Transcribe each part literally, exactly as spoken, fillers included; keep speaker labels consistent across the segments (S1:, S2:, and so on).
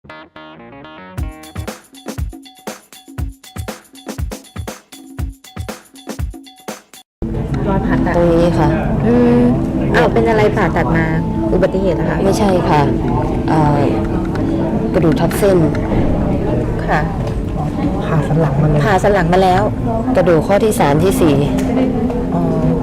S1: รอยผ่าตัด
S2: ตรงนี้ค่ะ
S1: อืมอ้าวเป็นอะไรผ่าตัดมาอุบัติเหตุนะคะ
S2: ไม่ใช่ค่ะเอ่อกระดูกทับเส้น
S1: ค่ะ
S3: ผ่าสันหลังมาเลย
S1: ผ่าสันหลังมาแล้ว
S2: กระดูกข้อที่สามที่สี่
S1: อ๋อ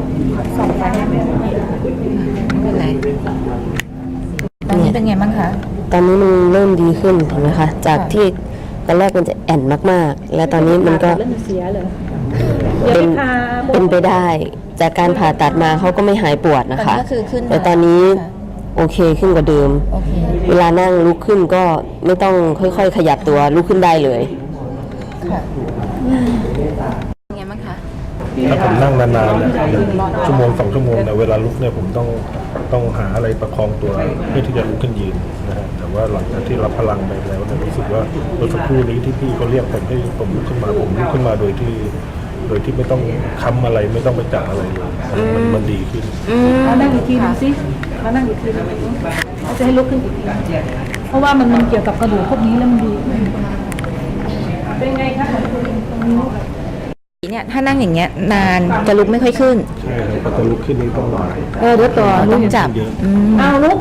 S1: ไม่เป็นไรตอนนี้เป็นไงบ้างคะ
S2: ตอนนี้มันเริ่มดีขึ้นเห็นไหมคะจาก
S1: ค่ะ
S2: ที่ตอนแรกมันจะแอนมากๆ และตอนนี้มันก็
S3: เริ่มเสียเลย
S2: เป็นเป็นไปได้ จากการผ่าตัดมาเขาก็ไม่หายปวดนะคะ
S1: ก็คือขึ้นมา
S2: แต่ตอนนี้
S1: ค่ะ
S2: โอเคขึ้นกว่าเดิม
S1: โอเค
S2: เวลานั่งลุกขึ้นก็ไม่ต้องค่อยๆ ขยับตัวลุกขึ้นได้เลย
S1: ค่ะเป็นไงบ้างคะ
S4: ถ้าผมนั่งนานๆเนี่ยชั่วโมงสองชั่วโมงเนี่ยเวลาลุกเนี่ยผมต้องต้องหาอะไรประคองตัวเพื่อที่จะลุกขึ้นยืนนะฮะแต่ว่าหลังจากที่รับพลังไปแล้วเนี่ยรู้สึกว่าเมื่อสักครู่นี้ที่พี่เขาเรียกผมให้ผมลุกขึ้นมาผมลุกขึ้นมาโดยที่โดยที่ไม่ต้องค้ำอะไรไม่ต้องไปจับอะไรเลยมันมันดีขึ้น
S3: มานั่งอีกทีนึงสิมานั่งอีกทีนึงเขาจะให้ลุกขึ้นอีกทีเพราะว่ามันมันเกี่ยวกับกระดูกพวกนี้แล้วมันดีเป็นไงคะของคุณตรงนี้
S1: เนี่ยถ้านั่งอย่างเงี้ยนานจะลุกไม่ค่อยขึ้น
S4: ใช่ครับพอจะลุกขึ้นนี่ต้องหน่อย
S3: เออเดี๋ยวต่อ
S1: ต้องจับ
S4: เยอะ
S1: อืม
S3: เอาลุก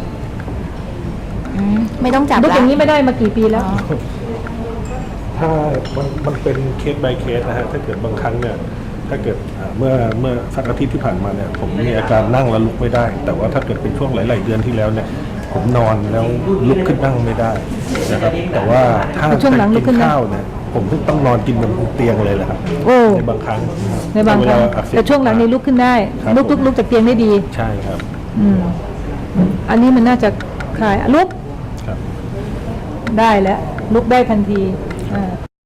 S1: อืมไม่ต้องจับ
S3: ลุก
S1: ละ
S3: อย่างนี้ไม่ได้มากี่ปีแล้ว
S4: ถ้ามันมันเป็นเคส by เคสนะฮะถ้าเกิดบางครั้งเนี่ยถ้าเกิดอ่าเมื่อเมื่อสักอาทิตย์ที่ผ่านมาเนี่ยผมมีอาการนั่งแล้วลุกไม่ได้ แต่ว่าถ้าเกิดเป็นช่วงหลาย ๆ เดือนที่แล้วเนี่ยผมนอนแล้วลุกขึ้นนั่งไม่ได้นะครับแต่ว่าถ้า
S3: ช่วงหลังลุกขึ้นนั่ง
S4: ข้าวเนี่ยผมต้องนอนกินบนเตียงเลยแหละครับ
S3: โอ้
S4: ในบางครั้ง
S3: ในบางครั้ง
S4: เวลอักเสบ
S3: แต่ช่วงหลังนี้ลุกขึ้นได้
S4: ครับ
S3: ลุกลุกลุกจากเตียงได้ดี
S4: ใช่ครับ
S3: อืมอันนี้มันน่าจะคลายลุก
S4: ครับ
S3: ได้แล้วลุกได้ทันทีอ่า